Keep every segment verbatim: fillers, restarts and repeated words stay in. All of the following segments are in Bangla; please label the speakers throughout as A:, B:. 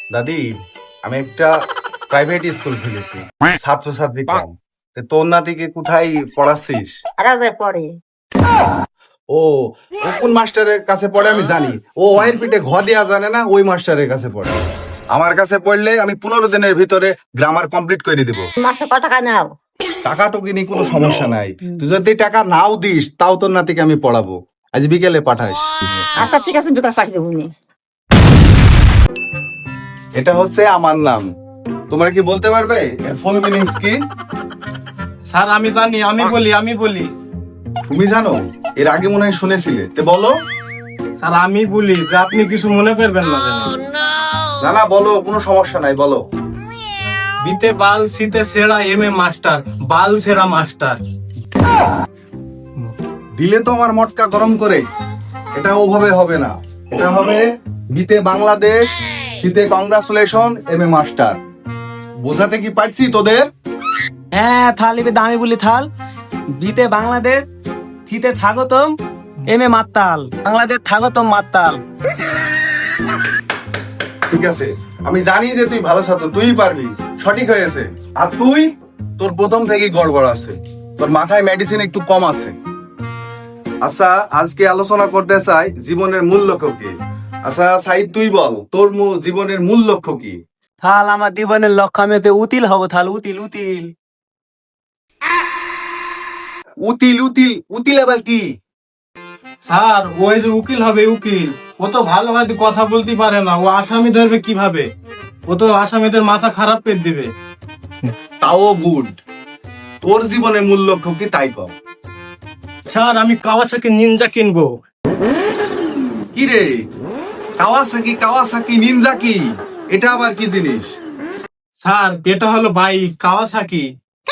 A: দাদি, আমি একটা প্রাইভেট স্কুল খুলেছি, ছাত্রছাত্রী কম। তা তোর নাতিকে কোথায় পড়াচ্ছিস?
B: রাজায় পড়ে।
A: ও ও কোন মাস্টারের কাছে পড়ে আমি জানি। ও ওয়ের পিঠে ঘ দেয়া জানে না, ওই মাস্টারের কাছে পড়ে। আমার কাছে পড়লে আমি পনেরো দিনের ভিতরে গ্রামার কমপ্লিট করে দিব।
B: মাসে ক টাকা নাও?
A: টাকা টুকি নিয়ে কোনো সমস্যা নাই। তুই যদি টাকা নাও দিস তাও তোর নাতিকে আমি পড়াবো। আজ বিকেলে পাঠাস।
B: আচ্ছা ঠিক আছে, বিকাল পাঠিয়ে দেবো নি।
A: এটা হচ্ছে আমার নাম। তোমরা কি বলতে পারবে এর ফুল মিনিংস কি?
C: স্যার আমি জানি, আমি বলি আমি বলি
A: তুমি জানো? এর আগে মনে হয় শুনেছিলে, তে বলো।
C: স্যার আমি বলি যে আপনি কিছু মনে করবেন না যেন।
A: না না বলো, কোনো সমস্যা নাই, বলো।
C: বিতে বাল সিতে সেরা এম এ মাস্টার, বাল সেরা মাস্টার।
A: দিলে তো আমার মটকা গরম করে। এটা ওভাবে হবে না, এটা হবে বিতে বাংলাদেশ, শীতে কংগ্রাচুলেশন, এম এ মাস্টার। বোঝাতে কি পারছি তোদের?
D: হ্যাঁ থাল এবে দামি বলি থাল। বিতে বাংলাদেশ, থিতে থাগতম, এম এ মাত্তাল। বাংলাদেশ থাগতম মাত্তাল।
A: ঠিক আছে, আমি জানি যে তুই ভালো ছাত্র, তুই পারবি, সঠিক হয়েছে। আর তুই, তোর প্রথম থেকেই গড়বড় আছে, তোর মাথায় মেডিসিন একটু কম আছে। আচ্ছা, আজকে আলোচনা করতে চাই জীবনের মূল লক্ষ্য কি। আচ্ছা সাইদ, তুই বল তোর মূল জীবনের মূল লক্ষ্য কি?
D: থাল আমার জীবনের লক্ষ্য আমি তো উতিল হব থাল, উতিল উতিল।
A: উতিল উতিল উতিল আবার কি?
C: স্যার ওই যে উকিল হবে, উকিল ও তো ভালোভাবে কথা বলতে পারে না, ও আসামি ধরবে কিভাবে? ও তো আসামিদের মাথা খারাপ করে দিবে।
A: তাও গুড। তোর জীবনের মূল লক্ষ্য কি তাই কর।
C: স্যার আমি কাওয়াসাকি নিনজা কিনবো।
A: কি রে, কাওয়াসাকি কাওয়াসাকি নিনজা কি? এটা আবার কি জিনিস?
C: স্যার এটা হলো বাইক কাওয়াসাকি।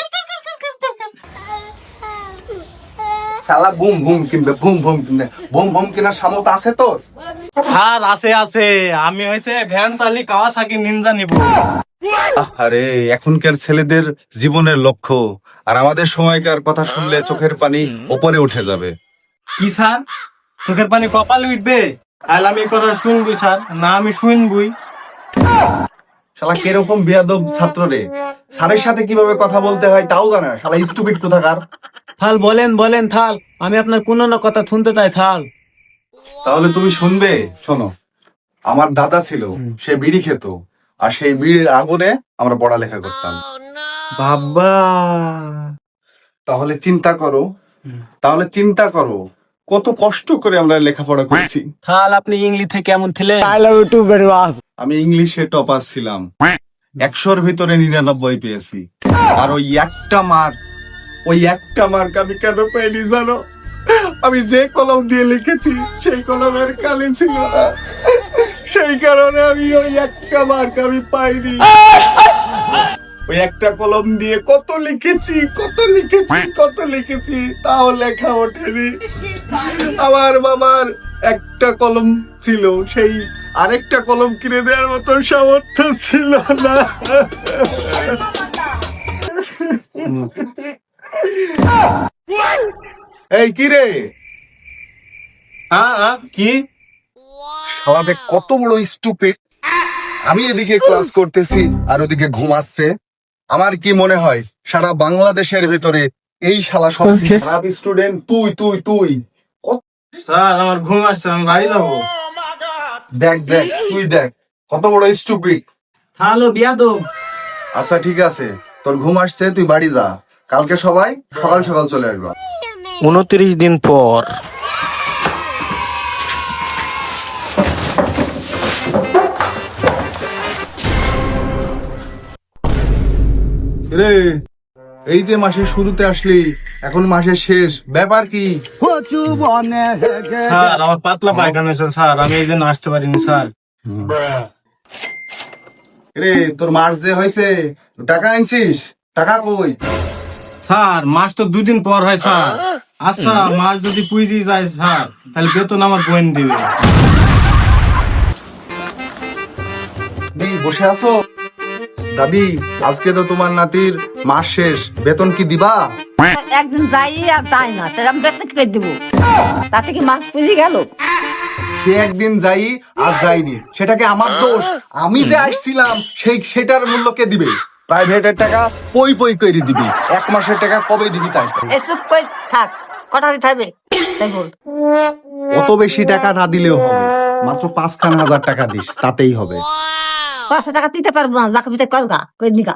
A: শালা বুম বুম কিনবে, বুম বুম কিনবে, বুম বুম কেনার সামর্থ্য আছে তোর?
C: স্যার আছে আছে, আমি হয়েছে ভ্যান চালি কাওয়াসাকি নিনজা নিব।
A: আরে এখনকার ছেলেদের জীবনের লক্ষ্য আর আমাদের সময়কার কথা শুনলে চোখের পানি উপরে উঠে যাবে।
C: কি স্যার, চোখের পানি কপালে উঠবে? তাহলে আমি এই কথা শুনবই স্যার, না আমি শুনবই।
A: শালা কিরকম বেয়াদব ছাত্র রে, স্যারের সাথে কিভাবে কথা বলতে হয় তাও জানে না, শালা স্টুপিড কোথাকার।
D: থাল বলেন বলেন থাল, আমি আপনার কোনো না কথা শুনতে চাই থাল।
A: তাহলে তুমি শুনবে, শোনো। আমার দাদা ছিল, সে বিড়ি খেত, আর সেই বিড়ির আগুনে আমরা পড়ালেখা করতাম।
C: বাবা,
A: তাহলে চিন্তা করো, তাহলে চিন্তা করো কত কষ্ট করে আমরা লেখাপড়া করেছি।
D: থাল আপনি ইংলিশ থেকে কেমন ছিলেন?
A: আমি ইংলিশে টপার ছিলাম, একশোর ভিতরে নিরানব্বই পেয়েছি। আর ওই একটা মার্ক, ওই একটা মার্ক আমি কেন পাইনি জানো? আমি যে কলম দিয়ে লিখেছি সেই কলমের কালি ছিল না, সেই কারণে আমি ওই একটা মার্ক আমি পাইনি। ওই একটা কলম দিয়ে কত লিখেছি কত লিখেছি কত লিখেছি, তাও লেখা ওঠেনি। আমার বাবার একটা কলম ছিল, সেই আরেকটা কলম কিনে দেওয়ার মতো সামর্থ্য ছিল না। এই কি রে,
C: হ্যাঁ হ্যাঁ, কি?
A: শালাতে কত বড় স্টুপিড। আমি এদিকে ক্লাস করতেছি আর ওদিকে ঘুমাচ্ছে। আমার কি মনে হয় সারা বাংলাদেশের ভিতরে এই শালা সব খারাপ স্টুডেন্ট তুই তুই তুই কত-
C: স্যার আমার ঘুম আসছে, আমি বাড়ি যাবো।
A: দেখ দেখ তুই দেখ কত বড় স্টুপিড।
D: থাল ও বিয়াদব।
A: আচ্ছা ঠিক আছে, তোর ঘুম আসছে, তুই বাড়ি যা। কালকে সবাই সকাল সকাল চলে আসবা।
C: উনত্রিশ দিন পর।
A: রে, এই যে মাসের শুরুতে আসলি, এখন মাসের শেষ, ব্যাপার কি?
C: স্যার আমার পাতলা পায়খানা হয়েছে স্যার, আমি এই জন্য আসতে পারিনি স্যার।
A: রে, তোর মাস যে হয়েছে, টাকা আনছিস? টাকা কই?
C: স্যার মাস তো দুদিন পর হয় স্যার। আচ্ছা মাস যদি পুইজি যায় স্যার, তাহলে বেতন আমার বোন দিবে।
A: দি বসে আছো? দাদি, আজকে তো তোমার নাতির মাস শেষ, বেতন কি দিবা?
B: একদিন যাই আর যাই না, তাহলে আমি বেতন কি করে দিব? তাতে কি মাছ পুজি গেল?
A: সে একদিন যাই আর যাইনি, সেটাকে আমার দোষ? আমি যে আসছিলাম সেই সেটার মূল্য কে দিবে? প্রাইভেটের টাকা পই পই করে দিবি, এক মাসের টাকা কবে দিবি তাই তো।
B: এই চুপ করে থাক, কটা দিতে হবে তাই বল।
A: অত বেশি টাকা না দিলেও হবে, মাত্র পাঁচখান হাজার টাকা দিস, তাতেই হবে।
B: পাঁচশো টাকা দিতে পারবো না, যাকে দিতে করগা করে নিকা।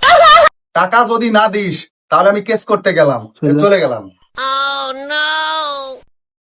A: টাকা যদি না দিস তাহলে আমি কেস করতে গেলাম, চলে গেলাম।